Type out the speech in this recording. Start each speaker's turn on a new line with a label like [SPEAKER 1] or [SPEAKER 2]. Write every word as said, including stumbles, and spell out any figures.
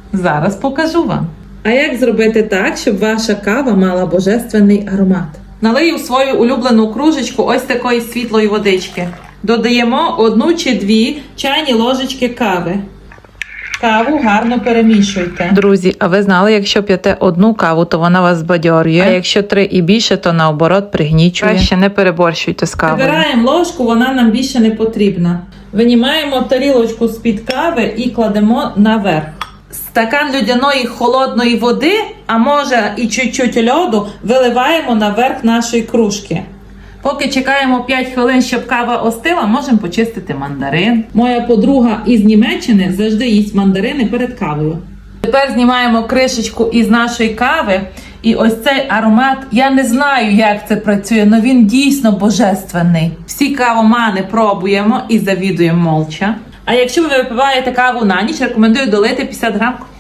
[SPEAKER 1] Зараз покажу вам.
[SPEAKER 2] А як зробити так, щоб ваша кава мала божественний аромат?
[SPEAKER 1] Налию в свою улюблену кружечку ось такої світлої водички. Додаємо одну чи дві чайні ложечки кави. Каву гарно перемішуйте.
[SPEAKER 3] Друзі, а ви знали, якщо п'єте одну каву, то вона вас збадьорює, а якщо три і більше, то наоборот пригнічує. Краще не переборщуйте з кавою.
[SPEAKER 1] Вибираємо ложку, вона нам більше не потрібна. Винімаємо тарілочку з-під кави і кладемо наверх. Стакан людяної холодної води, а може і чуть-чуть льоду, виливаємо наверх нашої кружки. Поки чекаємо п'ять хвилин, щоб кава остила, можемо почистити мандарин. Моя подруга із Німеччини завжди їсть мандарини перед кавою. Тепер знімаємо кришечку із нашої кави. І ось цей аромат, я не знаю, як це працює, але він дійсно божественний. Всі кавомани пробуємо і завідуємо молча. А якщо ви випиваєте каву на ніч, рекомендую долити п'ятдесят грам